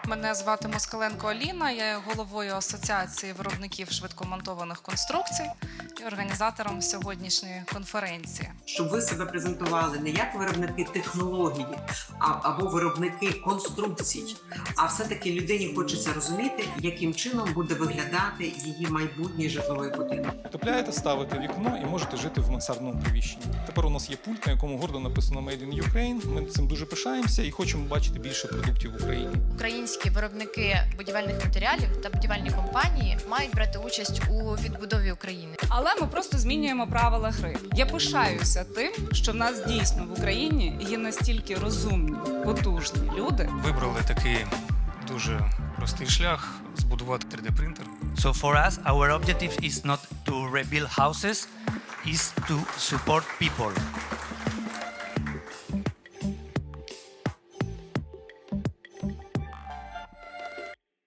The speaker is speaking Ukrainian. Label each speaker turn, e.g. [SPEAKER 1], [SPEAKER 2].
[SPEAKER 1] Мене звати Москаленко Аліна, я є головою Асоціації виробників швидкомонтованих конструкцій і організатором сьогоднішньої конференції.
[SPEAKER 2] Щоб ви себе презентували не як виробники технології або виробники конструкцій, а все-таки людині хочеться розуміти, яким чином буде виглядати її майбутній житловий будинок.
[SPEAKER 3] Утепляєте, ставите вікно і можете жити в мансардному приміщенні. Тепер у нас є пульт, на якому гордо написано «Made in Ukraine». Ми цим дуже пишаємося і хочемо бачити більше продуктів в Україні.
[SPEAKER 4] Українські виробники будівельних матеріалів та будівельні компанії мають брати участь у відбудові України.
[SPEAKER 5] Але ми просто змінюємо правила гри. Я пишаюся тим, що в нас дійсно в Україні є настільки розумні, потужні люди.
[SPEAKER 6] Вибрали такий дуже простий шлях – збудувати 3D-принтер.
[SPEAKER 7] So for us, our objective is not to rebuild houses, is to support people.